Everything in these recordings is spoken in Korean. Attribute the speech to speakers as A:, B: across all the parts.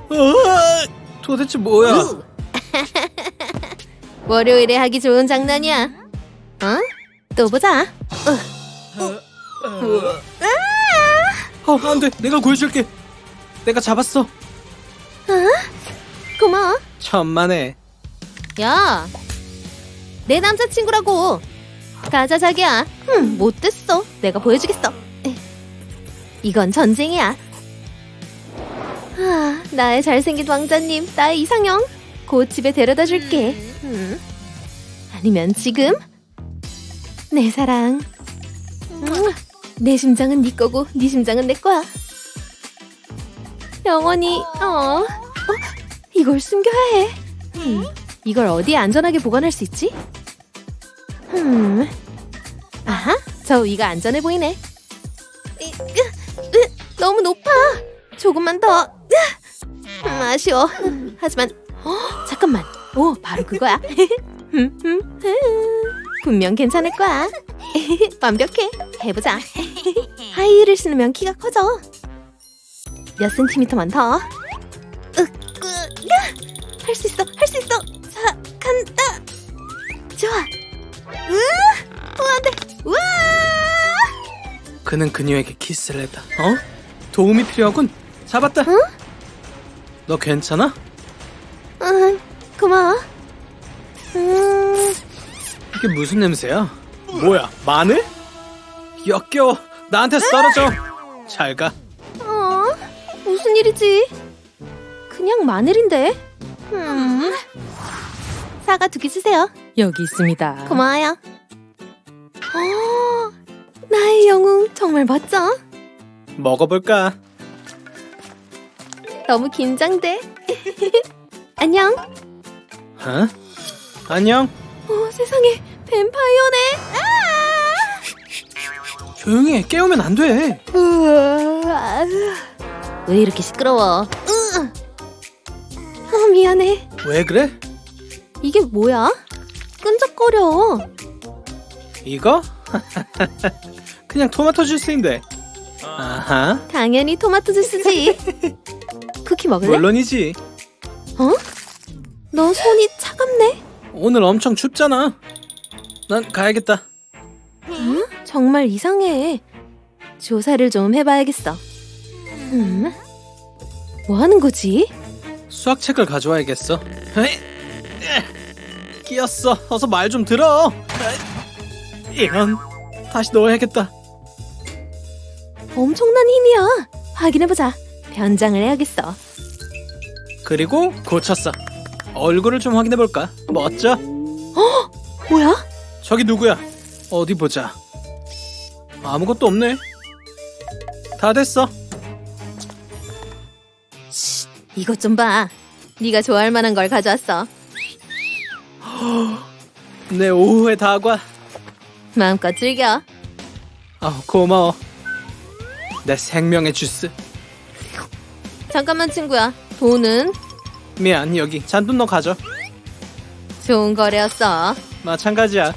A: 도대체 뭐야?
B: 월요일에 하기 좋은 장난이야. 어? 또 보자.
A: 안 돼. 내가 구해줄게. 내가 잡았어.
B: 고마워.
A: 천만에.
B: 야, 내 남자친구라고. 가자 자기야. 못됐어. 내가 보여주겠어. 이건 전쟁이야. 나의 잘생긴 왕자님, 나의 이상형. 곧 집에 데려다 줄게. 아니면 지금? 내 사랑. 내 심장은 네 거고 네 심장은 내 거야. 영원히. 이걸 숨겨야 해. 이걸 어디에 안전하게 보관할 수 있지? 아하, 저 위가 안전해 보이네. 너무 높아. 조금만 더. 아쉬워. 하지만 잠깐만. 오, 바로 그거야. 분명 괜찮을 거야. 완벽해. 해보자. 하이힐을 신으면 키가 커져. 몇 센티미터만 더. 할 수 있어. 할 수 있어. 자, 간다. 좋아. 안 돼. 우와!
A: 그는 그녀에게 키스를 했다. 도움이 필요하군. 잡았다. 너 괜찮아?
B: 고마워.
A: 이게 무슨 냄새야? 뭐야? 마늘? 역겨워. 나한테서 떨어져. 잘 가.
B: 무슨 일이지? 그냥 마늘인데. 사과 2개 주세요.
C: 여기 있습니다.
B: 고마워요. 나의 영웅 정말 멋져.
A: 먹어볼까?
B: 너무 긴장돼. 안녕.
A: 안녕.
B: 세상에 뱀파이어네.
A: 조용히 해. 깨우면 안 돼.
B: 왜 이렇게 시끄러워? 미안해.
A: 왜 그래?
B: 이게 뭐야? 끈적거려.
A: 이거? 그냥 토마토 주스인데. 아하.
B: 당연히 토마토 주스지. 쿠키 먹을래?
A: 물론이지.
B: 너 손이 차갑네.
A: 오늘 엄청 춥잖아. 난 가야겠다.
B: 정말 이상해. 조사를 좀 해봐야겠어. 뭐 하는 거지?
A: 수학책을 가져와야겠어. 끼었어. 어서 말 좀 들어. 이런. 다시 넣어야겠다.
B: 엄청난 힘이야. 확인해보자. 변장을 해야겠어.
A: 그리고 고쳤어. 얼굴을 좀 확인해볼까? 멋져?
B: 뭐야?
A: 저기 누구야? 어디 보자. 아무것도 없네. 다 됐어.
B: 이것 좀 봐. 네가 좋아할 만한 걸 가져왔어.
A: 내 오후의 다과.
B: 마음껏 즐겨.
A: 고마워. 내 생명의 주스.
B: 잠깐만 친구야. 돈은?
A: 미안, 여기 잔돈 너 가져.
B: 좋은 거래였어.
A: 마찬가지야.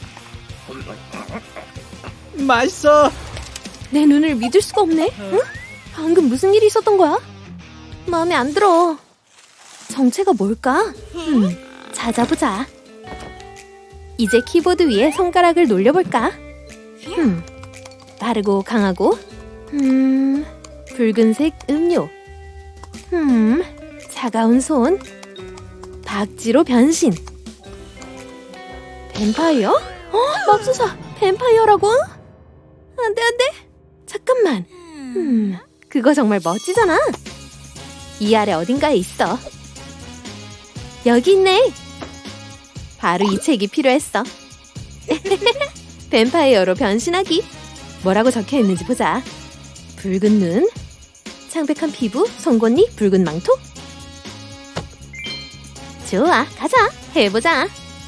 A: 맛있어.
B: 내 눈을 믿을 수가 없네. 응? 방금 무슨 일이 있었던 거야? 마음에 안 들어. 정체가 뭘까? 찾아보자. 이제 키보드 위에 손가락을 놀려볼까? 빠르고 강하고 붉은색 음료. 차가운 손. 박쥐로 변신. 뱀파이어? 맙소사, 뱀파이어라고? 안 돼, 안 돼. 잠깐만. 그거 정말 멋지잖아. 이 아래 어딘가에 있어. 여기 있네. 바로 이 책이 필요했어. 뱀파이어로 변신하기. 뭐라고 적혀 있는지 보자. 붉은 눈, 창백한 피부, 송곳니, 붉은 망토. 좋아, 가자. 해보자.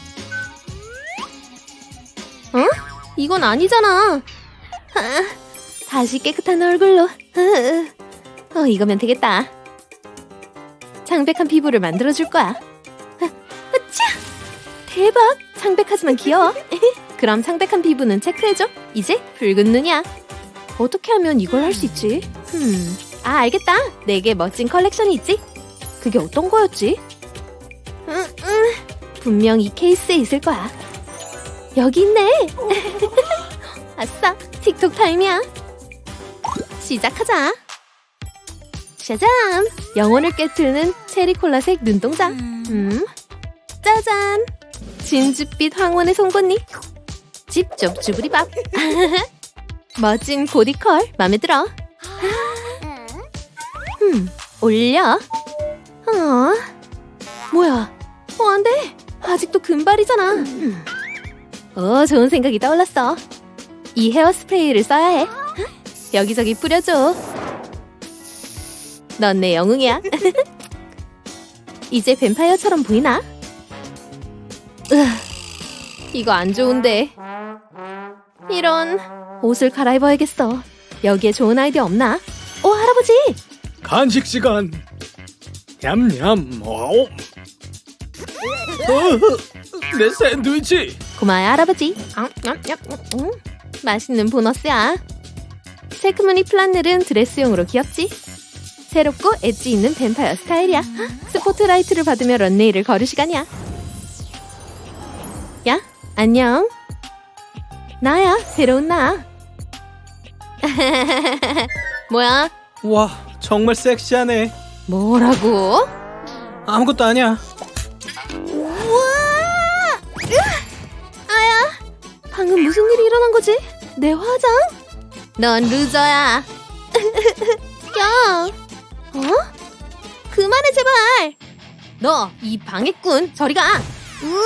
B: 이건 아니잖아. 다시 깨끗한 얼굴로. 이거면 되겠다. 창백한 피부를 만들어줄 거야. 으쌰! 대박! 창백하지만 귀여워. 그럼 창백한 피부는 체크해줘. 이제 붉은 눈이야. 어떻게 하면 이걸 할 수 있지? 알겠다. 내게 멋진 컬렉션이 있지. 그게 어떤 거였지? 분명 이 케이스에 있을 거야. 여기 있네. 아싸, 틱톡 타임이야. 시작하자. 짜잔! 영혼을 깨트리는 체리콜라색 눈동자. 짜잔! 진주빛 황혼의 송곳니. 집접 주부리밥. 멋진 보디컬 맘에 들어. 올려. 뭐야? 안 돼. 아직도 금발이잖아. 좋은 생각이 떠올랐어. 이 헤어스프레이를 써야 해. 여기저기 뿌려줘. 넌 내 영웅이야. 이제 뱀파이어처럼 보이나? 이거 안 좋은데. 이런, 옷을 갈아입어야겠어. 여기에 좋은 아이디어 없나? 할아버지!
A: 간식 시간. 냠냠. 내 샌드위치.
B: 고마워요, 할아버지. 맛있는 보너스야. 체크무늬 플란넬은 드레스용으로 귀엽지? 새롭고 엣지 있는 뱀파이어 스타일이야. 스포트라이트를 받으며 런웨이를 걸을 시간이야. 야, 안녕. 나야, 새로운 나. 뭐야?
A: 와, 정말 섹시하네.
B: 뭐라고?
A: 아무것도 아니야.
B: 우와! 아야, 방금 무슨 일이 일어난 거지? 내 화장? 넌 루저야. 야, 그만해 제발. 너 이 방해꾼 저리 가. 우와!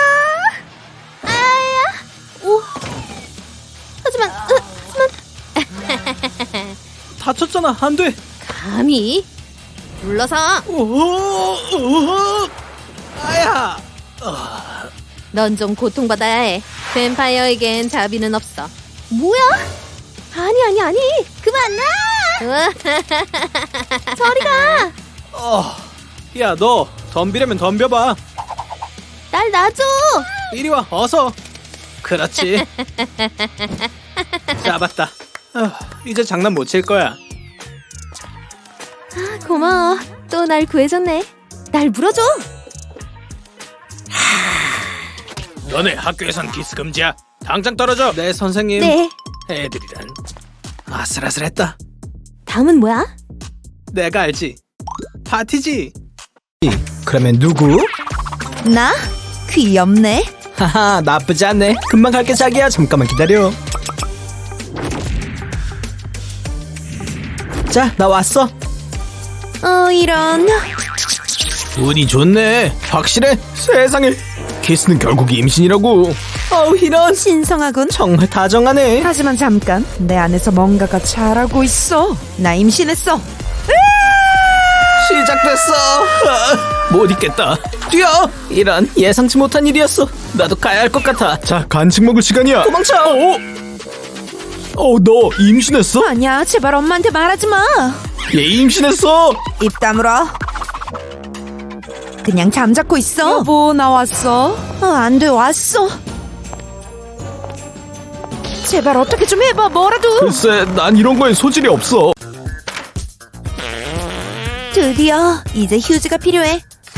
B: 아야, 오. 하지만.
A: 다쳤잖아. 안 돼.
B: 감히 불러서.
A: 아야.
B: 넌 좀 고통받아야 해. 뱀파이어에겐 자비는 없어. 뭐야? 아니. 그만 나. 저리 가.
A: 야, 너 덤비려면 덤벼봐.
B: 날 놔줘.
A: 이리 와, 어서. 그렇지. 잡았다. 이제 장난 못 칠 거야.
B: 고마워. 또 날 구해줬네. 날 물어줘.
A: 너네 학교에선 키스 금지야. 당장 떨어져. 네, 선생님.
B: 네.
A: 애들이란 아슬아슬했다.
B: 다음은 뭐야?
A: 내가 알지. 파티지. 그러면 누구?
C: 나? 귀엽네.
A: 하하, 나쁘지 않네. 금방 갈게 자기야. 잠깐만 기다려. 자, 나 왔어.
C: 이런.
A: 운이 좋네. 확실해. 세상에. 키스는 결국 임신이라고. 이런.
C: 신성하군.
A: 정말 다정하네.
C: 하지만 잠깐, 내 안에서 뭔가가 자라고 있어. 나 임신했어.
A: 시작됐어. 못 있겠다. 뛰어. 이런, 예상치 못한 일이었어. 나도 가야 할 것 같아. 자, 간식 먹을 시간이야. 도망쳐. 너 임신했어?
C: 아니야, 제발 엄마한테 말하지 마.
A: 얘 임신했어.
C: 입 다물어. 그냥 잠자코 있어. 여보, 나 왔어. 안 돼, 왔어. 제발 어떻게 좀 해봐, 뭐라도.
A: 글쎄, 난 이런 거에 소질이 없어.
C: 드디어 이제 휴지가 필요해.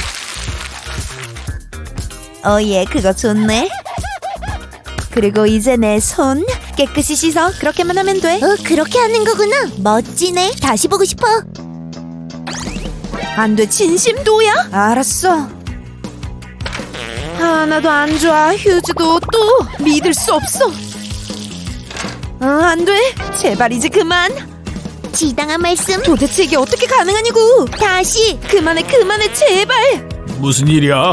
C: 예, 그거 좋네. 그리고 이제 내 손 깨끗이 씻어. 그렇게만 하면 돼.
B: 그렇게 하는 거구나. 멋지네. 다시 보고 싶어.
C: 안 돼, 진심도야? 알았어. 하나도 안 좋아. 휴지도 또 믿을 수 없어. 안 돼. 제발 이제 그만.
B: 지당한 말씀.
C: 도대체 이게 어떻게 가능하냐고.
B: 다시.
C: 그만해, 제발.
A: 무슨 일이야?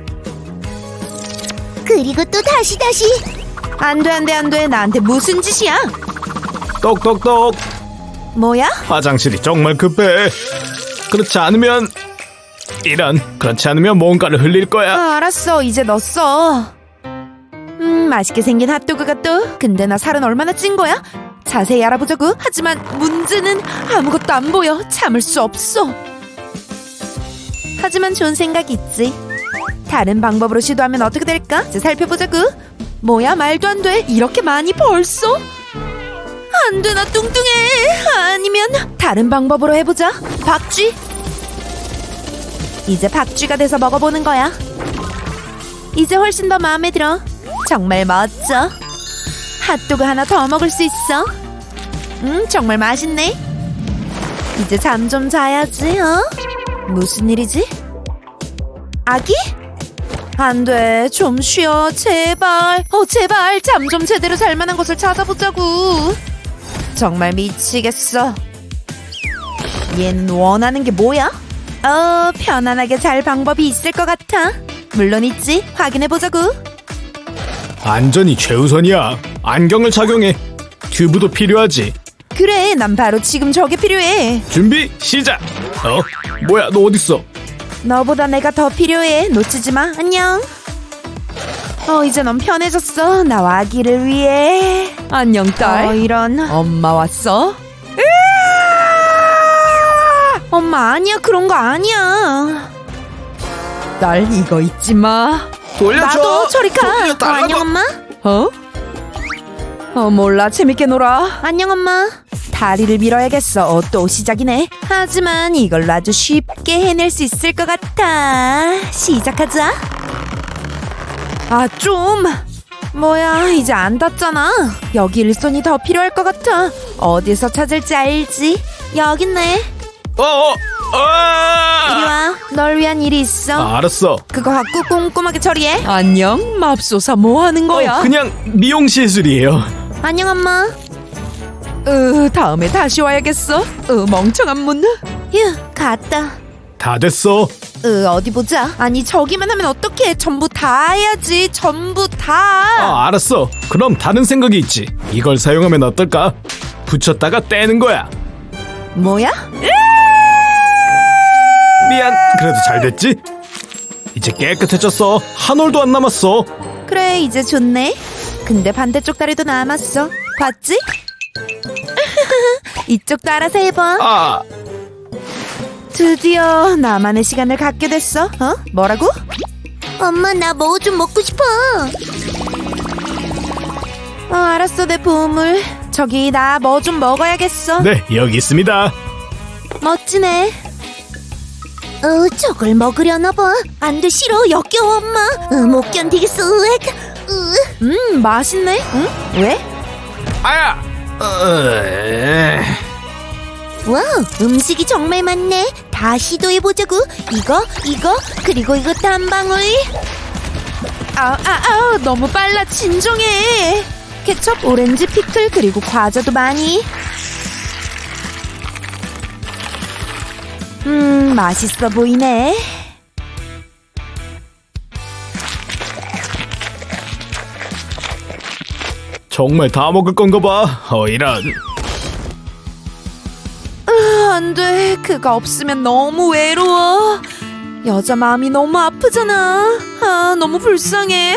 B: 그리고 또 다시.
C: 안 돼. 나한테 무슨 짓이야?
A: 똑똑똑.
C: 뭐야?
A: 화장실이 정말 급해. 그렇지 않으면 뭔가를 흘릴 거야.
C: 알았어. 이제 넣었어. 맛있게 생긴 핫도그가 또. 근데 나 살은 얼마나 찐 거야? 자세히 알아보자고. 하지만 문제는 아무것도 안 보여. 참을 수 없어. 하지만 좋은 생각이 있지. 다른 방법으로 시도하면 어떻게 될까? 이제 살펴보자고. 뭐야, 말도 안 돼. 이렇게 많이 벌써? 안 돼, 나 뚱뚱해. 아니면 다른 방법으로 해보자. 박쥐. 이제 박쥐가 돼서 먹어보는 거야. 이제 훨씬 더 마음에 들어. 정말 멋져. 핫도그 하나 더 먹을 수 있어. 정말 맛있네. 이제 잠 좀 자야지. 무슨 일이지? 아기? 안 돼. 좀 쉬어. 제발. 제발. 잠 좀 제대로 잘 만한 곳을 찾아보자고. 정말 미치겠어. 얘는 원하는 게 뭐야? 편안하게 잘 방법이 있을 것 같아. 물론 있지. 확인해보자고.
A: 안전이 최우선이야. 안경을 착용해. 튜브도 필요하지.
C: 그래, 난 바로 지금 저게 필요해.
A: 준비 시작. 뭐야, 너 어딨어?
C: 너보다 내가 더 필요해. 놓치지 마. 안녕. 이제 넌 편해졌어. 나와 아기를 위해. 안녕, 딸. 이런. 엄마 왔어? 엄마 아니야. 그런 거 아니야. 딸, 이거 잊지 마.
A: 돌려줘.
C: 나도 저리 가.
A: 돌려달라고.
C: 안녕, 엄마. 몰라. 재밌게 놀아. 안녕, 엄마. 다리를 밀어야겠어. 또 시작이네. 하지만 이걸 아주 쉽게 해낼 수 있을 것 같아. 시작하자. 좀. 뭐야, 이제 안 닿잖아. 여기 일손이 더 필요할 것 같아. 어디서 찾을지 알지? 여기 있네. 이리 와. 널 위한 일이 있어.
A: 알았어.
C: 그거 갖고 꼼꼼하게 처리해. 안녕, 맙소사. 뭐 하는 거야?
A: 그냥 미용 시술이에요.
C: 안녕, 엄마. 다음에 다시 와야겠어. 멍청한 문. 휴, 갔다.
A: 다 됐어.
C: 어디 보자. 아니, 저기만 하면 어떡해. 전부 다 해야지. 전부 다.
A: 알았어. 그럼 다른 생각이 있지. 이걸 사용하면 어떨까? 붙였다가 떼는 거야.
C: 뭐야?
A: 미안. 그래도 잘 됐지? 이제 깨끗해졌어. 한 올도 안 남았어.
C: 그래, 이제 좋네. 근데 반대쪽 다리도 남았어. 봤지? 이쪽도 알아서 해봐. 드디어 나만의 시간을 갖게 됐어. 뭐라고?
B: 엄마, 나 뭐 좀 먹고 싶어.
C: 알았어, 내 보물. 저기 나 뭐 좀 먹어야겠어.
A: 네, 여기 있습니다.
C: 멋지네.
B: 저걸 먹으려나 봐. 안 돼, 싫어. 역겨워, 엄마. 못 견디겠어.
C: 맛있네. 응? 왜?
A: 아야.
B: 와우, 음식이 정말 많네. 다 시도해보자고. 이거, 그리고 이것도 한 방울.
C: 너무 빨라. 진정해. 케첩, 오렌지, 피클, 그리고 과자도 많이. 맛있어 보이네.
A: 정말 다 먹을 건가 봐. 이런.
C: 안 돼. 그가 없으면 너무 외로워. 여자 마음이 너무 아프잖아. 너무 불쌍해.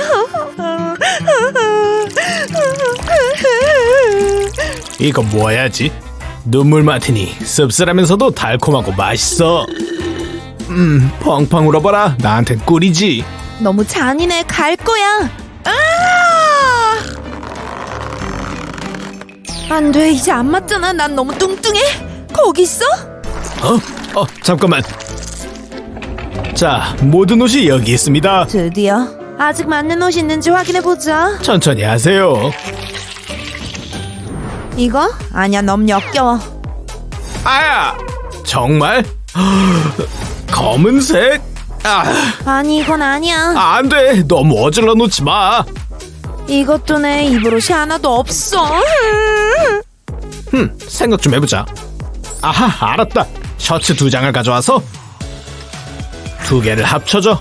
A: 이거 뭐야지? 눈물 마티니. 씁쓸하면서도 달콤하고 맛있어. 펑펑 울어봐라. 나한텐 꿀이지.
C: 너무 잔인해. 갈 거야. 안 돼. 이제 안 맞잖아. 난 너무 뚱뚱해. 거기 있어?
A: 잠깐만. 자, 모든 옷이 여기 있습니다.
C: 드디어. 아직 맞는 옷이 있는지 확인해보자.
A: 천천히 하세요.
C: 이거? 아니야, 너무 역겨워.
A: 아야! 정말? 검은색?
C: 아니, 이건 아니야.
A: 안 돼. 너무 어질러 놓지 마.
C: 이것도 내 입을 옷이 하나도 없어.
A: 생각 좀 해보자. 아하, 알았다. 셔츠 2장을 가져와서 2개를 합쳐줘.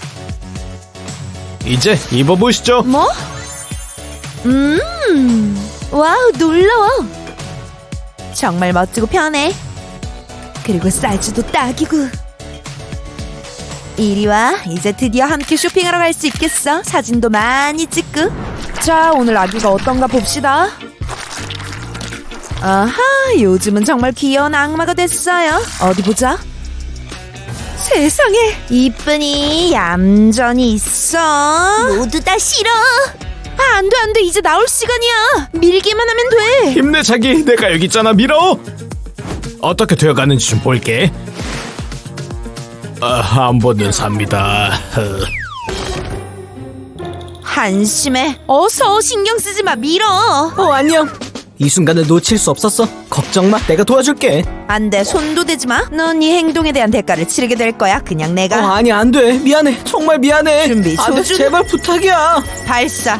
A: 이제 입어보시죠.
C: 뭐? 와우, 놀라워. 정말 멋지고 편해. 그리고 사이즈도 딱이고. 이리 와. 이제 드디어 함께 쇼핑하러 갈 수 있겠어. 사진도 많이 찍고. 자, 오늘 아기가 어떤가 봅시다. 아하, 요즘은 정말 귀여운 악마가 됐어요. 어디 보자. 세상에, 이쁜이 얌전히 있어.
B: 모두 다 싫어.
C: 안 돼, 안 돼. 이제 나올 시간이야. 밀기만 하면 돼.
A: 힘내, 자기. 내가 여기 있잖아. 밀어. 어떻게 되어가는지 좀 볼게. 한 번은 삽니다.
C: 한심해. 어서 신경 쓰지 마. 밀어.
A: 안녕. 이 순간을 놓칠 수 없었어. 걱정 마, 내가 도와줄게.
C: 안 돼. 손도 대지 마. 넌 네 행동에 대한 대가를 치르게 될 거야. 그냥 내가.
A: 아니 안 돼. 미안해. 정말 미안해.
C: 준비,
A: 안 돼,
C: 조준.
A: 제발 부탁이야.
C: 발사.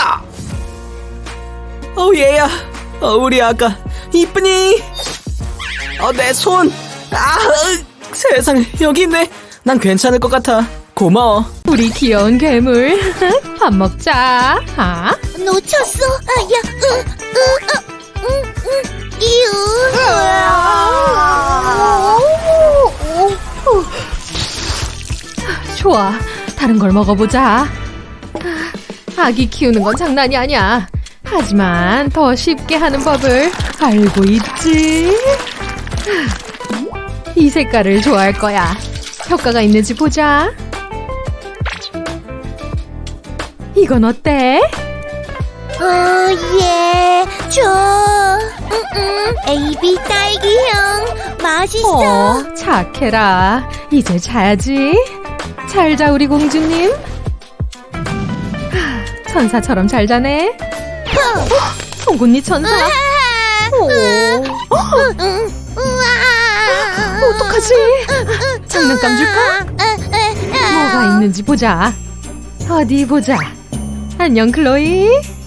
A: 얘야. 우리 아가 이쁘니? 내 손. 세상에, 여기 있네. 난 괜찮을 것 같아. 고마워.
B: 우리 귀여운 괴물. 밥 먹자.
D: 놓쳤어. 이유.
B: 좋아. 다른 걸 먹어보자. 아기 키우는 건 장난이 아니야. 하지만 더 쉽게 하는 법을 알고 있지. 이 색깔을 좋아할 거야. 효과가 있는지 보자. 이건 어때?
D: 예. AB 딸기향. 맛있어.
B: 착해라. 이제 자야지. 잘 자, 우리 공주님. 천사처럼 잘 자네. 송곳니 천사. 어떡하지? 장난감 줄까? 뭐가 있는지 보자. 어디 보자. 안녕, 클로이.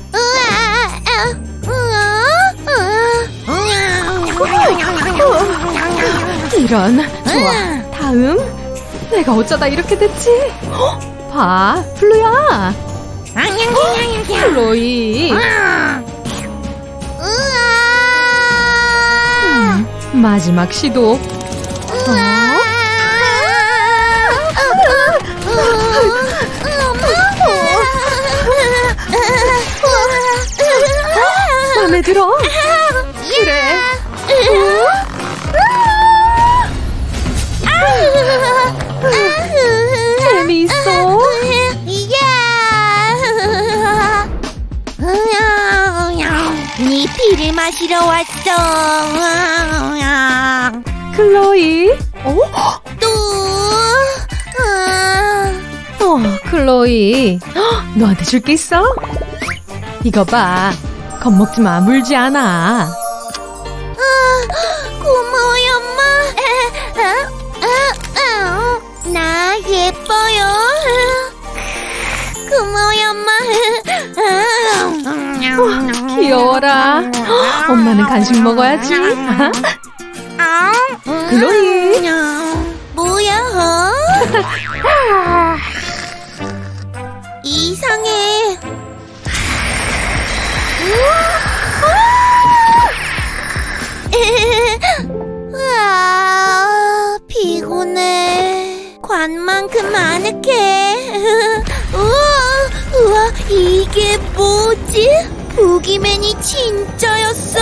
B: 이런. 좋아. 다음. 내가 어쩌다 이렇게 됐지? 봐, 플루야. 클로이. 마지막 시도. 마음에 들어? 그래. 재미있어.
D: 네 피를 마시러 왔어.
B: 클로이. 클로이. 너한테 줄 게 있어? 이거 봐. 겁먹지 마. 물지 않아.
D: 고마워요, 엄마. 나 예뻐요. 고마워요, 엄마.
B: 귀여워라. 엄마는 간식 먹어야지. 클로이.
D: 뭐야? 이상해. 피곤해. 관만큼 아늑해. 우와, 이게 뭐지? 보기맨이 진짜였어?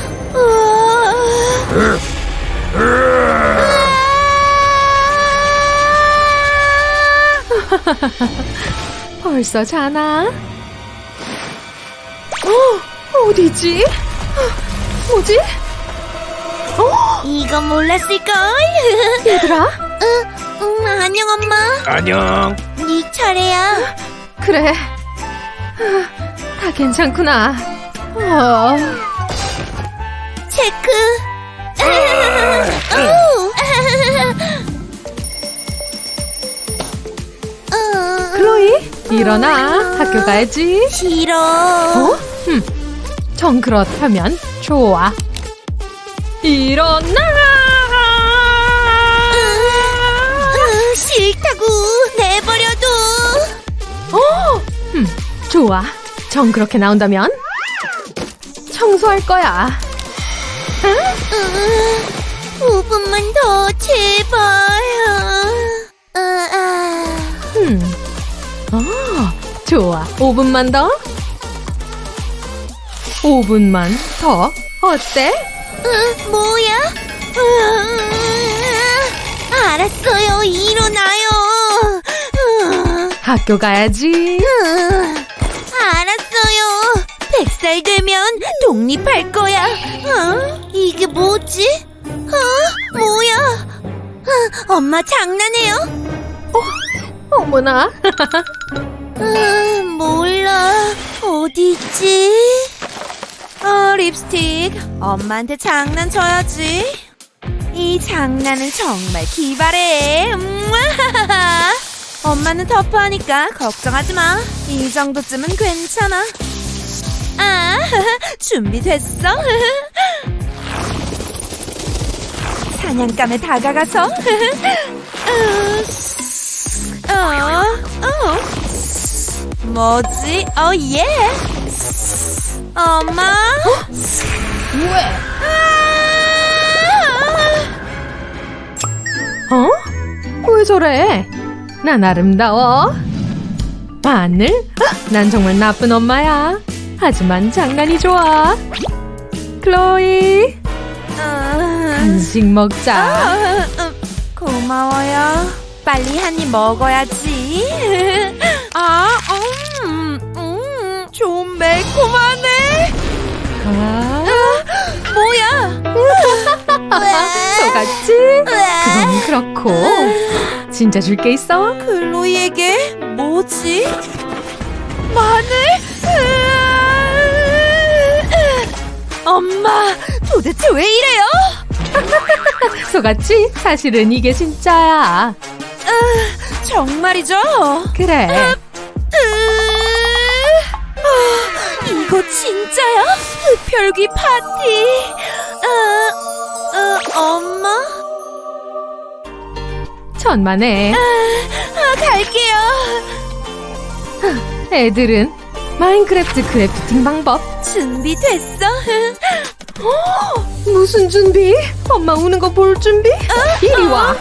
B: 벌써 자나? 어디지? 뭐지?
D: 이건 몰랐을걸?
B: 얘들아?
D: 안녕, 엄마.
A: 안녕.
D: 네 차례야.
B: 그래. 다 괜찮구나.
D: 체크.
B: 클로이, 일어나. 학교 가야지.
D: 싫어.
B: 정 그렇다면 좋아. 일어나.
D: 싫다고. 내버려둬.
B: 좋아. 정 그렇게 나온다면 청소할 거야.
D: 5분만 더, 제발.
B: 좋아. 5분만 더. 5분만 더. 어때?
D: 뭐야? 알았어요. 일어나요.
B: 학교 가야지.
D: 알았어요. 100살 되면 독립할 거야. 이게 뭐지? 뭐야? 엄마 장난해요?
B: 어머나.
D: 몰라. 어디 있지?
C: 립스틱. 엄마한테 장난쳐야지. 이 장난은 정말 기발해. 엄마는 터프하니까 걱정하지 마. 이 정도쯤은 괜찮아. 아, 준비됐어? 사냥감에 다가가서 뭐지? 예. 엄마?
B: 왜 저래? 난 아름다워. 마늘? 난 정말 나쁜 엄마야. 하지만 장난이 좋아. 클로이, 간식 먹자.
C: 고마워요. 빨리 한 입 먹어야지. 좀 매콤하네. 뭐야?
B: 속았지? 그건 그렇고. 진짜 줄 게 있어?
C: 클로이에게 뭐지? 마늘? 엄마, 도대체 왜 이래요?
B: 속았지? 사실은 이게 진짜야.
C: 정말이죠?
B: 그래.
C: 이거 진짜야? 흡혈귀 파티. 엄마?
B: 천만에.
C: 갈게요.
B: 애들은 마인크래프트 크래프팅 방법.
C: 준비됐어?
B: 무슨 준비? 엄마 우는 거 볼 준비? 이리 와.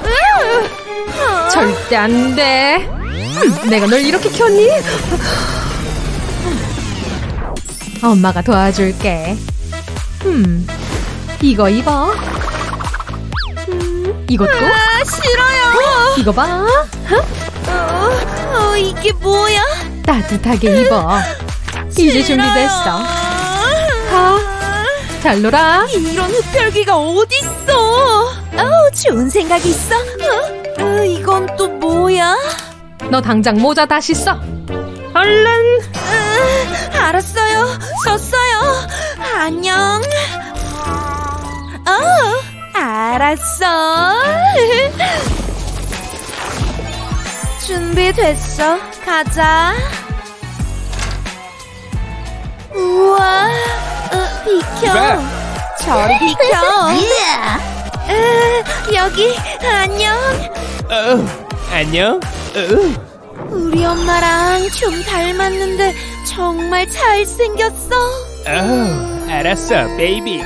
B: 절대 안 돼. 내가 널 이렇게 켰니? 엄마가 도와줄게. 이거 입어. 이것도?
C: 싫어요.
B: 이거 봐.
C: 이게 뭐야?
B: 따뜻하게 입어. 이제 준비됐어. 가. 잘 놀아.
C: 이런 흡혈귀가 어딨어? 좋은 생각이 있어. 이건 또 뭐야?
B: 너 당장 모자 다시 써. 얼른.
C: 알았어요. 썼어요. 안녕. 알았어. 준비됐어. 가자. 우와. 비켜. 저리 비켜. 여기 안녕.
A: 안녕.
C: 우리 엄마랑 좀 닮았는데 정말 잘생겼어.
A: 알았어, 베이비.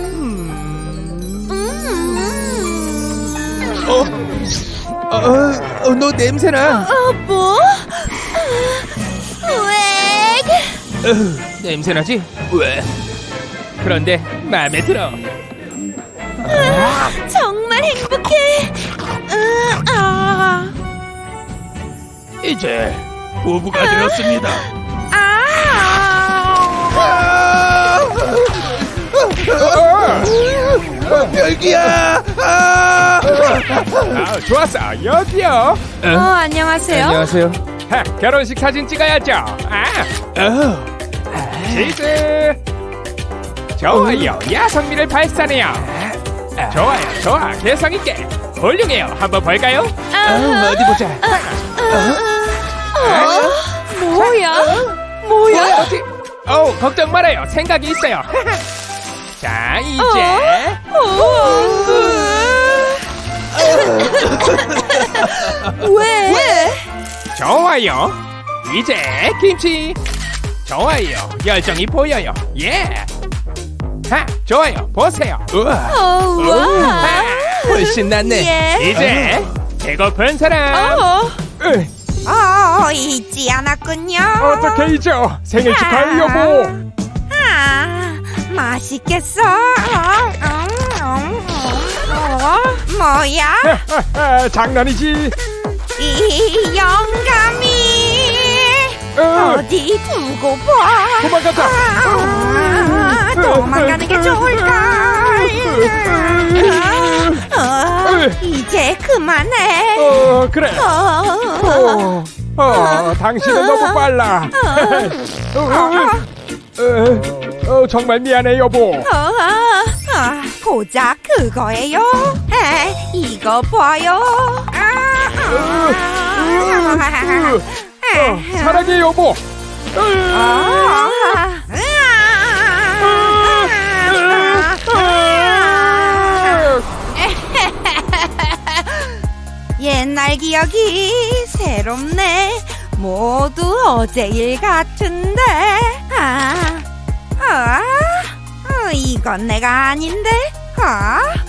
A: 너 냄새나.
C: 뭐? 왜?
A: 냄새나지? 왜? 그런데 마음에 들어.
C: 정말 행복해.
A: 이제 부부가 되었습니다. 별기야.
E: 좋았어. 여기요.
C: 안녕하세요.
A: 안녕하세요.
E: 결혼식 사진 찍어야죠. 치즈. 좋아요. 야성미를 발산해요. 좋아요. 좋아. 개성 있게. 훌륭해요. 한번 볼까요?
A: 어디 보자.
C: 뭐야?
E: 어디? 걱정 말아요. 생각이 있어요. 자, 이제
C: 왜?
E: 좋아요. 이제 김치. 좋아요. 열정이 보여요. 예. 좋아요. 보세요.
C: 우와.
A: 훨씬 낫네.
C: 예.
E: 이제 배고픈 사람.
C: 잊지 않았군요.
E: 어떻게 잊어? 생일 축하해 여보.
C: 맛있겠어. 뭐야?
E: 장난이지.
C: 이 영감이 어디 두고 봐.
E: 도망가자.
C: 도망가는 게 좋을까?
D: 이제 그만해.
E: 그래. 당신은 너무 빨라. 정말 미안해 여보.
D: 고작 그거예요. 이거 봐요.
E: 사랑해 여보.
D: 옛날 기억이 새롭네. 모두 어제 일 같은데. 이건 내가 아닌데.